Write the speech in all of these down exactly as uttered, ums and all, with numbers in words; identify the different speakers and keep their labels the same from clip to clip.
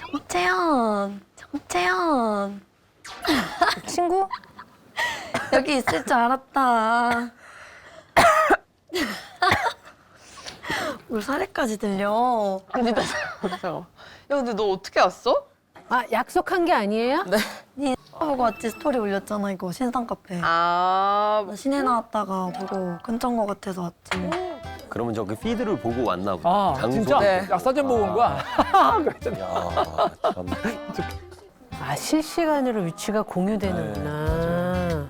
Speaker 1: 정채연, 정채연.
Speaker 2: 친구?
Speaker 1: 여기 있을 줄 알았다. 물 사례까지 들려.
Speaker 3: 아니 나 잠깐만. 야 근데 너 어떻게 왔어?
Speaker 2: 아, 약속한 게 아니에요?
Speaker 3: 네.
Speaker 1: 니 보고 왔지 스토리 올렸잖아 이거 신상 카페.
Speaker 3: 아
Speaker 1: 나 시내 나왔다가 보고 근처인 거 같아서 왔지.
Speaker 4: 그러면 저기 피드를 보고 왔나 보다.
Speaker 5: 아,
Speaker 4: 장소.
Speaker 5: 진짜?
Speaker 3: 네.
Speaker 5: 야, 사진 보고 온 거야? 그랬잖아.
Speaker 4: 야, 참.
Speaker 2: 아, 실시간으로 위치가 공유되는구나.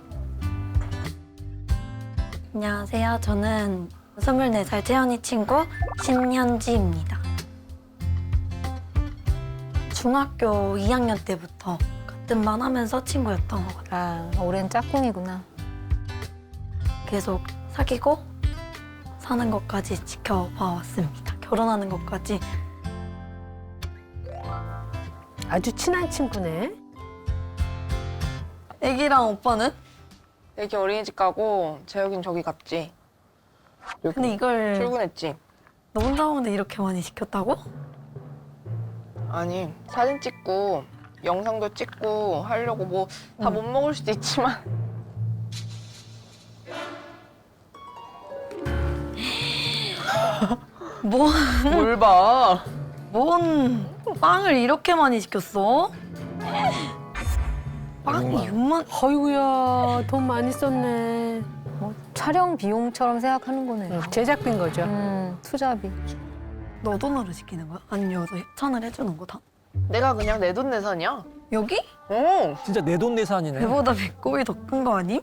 Speaker 1: 안녕하세요. 저는 스물네 살 채연이 친구 신현지입니다. 중학교 이 학년 때부터 같은 반 하면서 친구였던 것 같아요.
Speaker 2: 아, 오랜 짝꿍이구나.
Speaker 1: 계속 사귀고 사는 것까지 지켜봐 왔습니다. 결혼하는 것까지.
Speaker 2: 아주 친한 친구네.
Speaker 1: 애기랑 오빠는?
Speaker 3: 애기 어린이집 가고 재혁이는 저기 갔지.
Speaker 1: 근데 이걸
Speaker 3: 출근했지.
Speaker 1: 너 혼자 오는데 이렇게 많이 시켰다고?
Speaker 3: 아니 사진 찍고 영상도 찍고 하려고 뭐 다 못 먹을 수도 있지만
Speaker 1: 뭐,
Speaker 3: 뭘 봐.
Speaker 1: 뭔 빵을 이렇게 많이 시켰어? 빵이 육만
Speaker 2: 어이구야, 돈 많이 썼네.
Speaker 6: 뭐 촬영 비용처럼 생각하는 거네요.
Speaker 2: 제작비인 거죠.
Speaker 6: 음, 투자비.
Speaker 1: 너 돈으로 시키는 거야? 아니면 여기서 협찬을 해주는 거다?
Speaker 3: 내가 그냥 내돈내산이야.
Speaker 1: 여기?
Speaker 3: 어.
Speaker 5: 진짜 내돈내산이네.
Speaker 1: 배보다 배꼽이 더 큰 거 아님?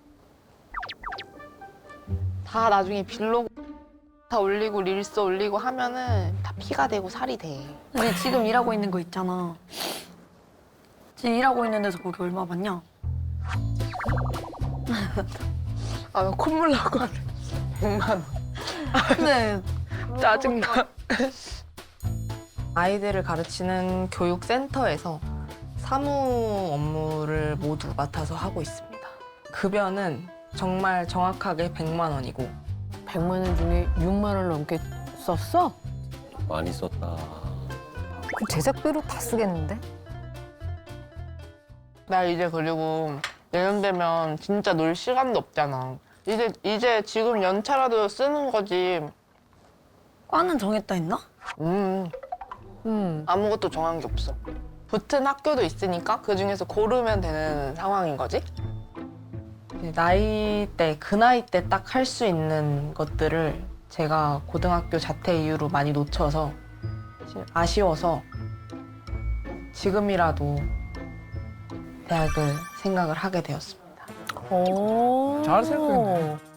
Speaker 3: 다 나중에 빌로그 다 올리고 릴스 올리고 하면은 다 피가 되고 살이 돼.
Speaker 1: 근데 지금 일하고 있는 거 있잖아. 지금 일하고 있는 데서 거기 얼마 받냐?
Speaker 3: 아, 나 콧물 나고 하네. 백만 원.
Speaker 1: 근데
Speaker 3: 짜증나. 아이들을 가르치는 교육센터에서 사무 업무를 모두 맡아서 하고 있습니다. 급여는 정말 정확하게 백만 원이고
Speaker 2: 백만 원 중에 육만 원 넘게 썼어?
Speaker 4: 많이 썼다.
Speaker 6: 그 제작비로 다 쓰겠는데?
Speaker 3: 나 이제 그리고 내년 되면 진짜 놀 시간도 없잖아. 이제 이제 지금 연차라도 쓰는 거지.
Speaker 1: 과는 정했다 했나?
Speaker 3: 음
Speaker 2: 음.
Speaker 3: 아무것도 정한 게 없어. 붙은 학교도 있으니까 그 중에서 고르면 되는 상황인 거지. 나이 때, 그 나이 때 딱 할 수 있는 것들을 제가 고등학교 자퇴 이후로 많이 놓쳐서 아쉬워서 지금이라도 대학을 생각을 하게 되었습니다.
Speaker 2: 오.
Speaker 5: 잘 생각했네.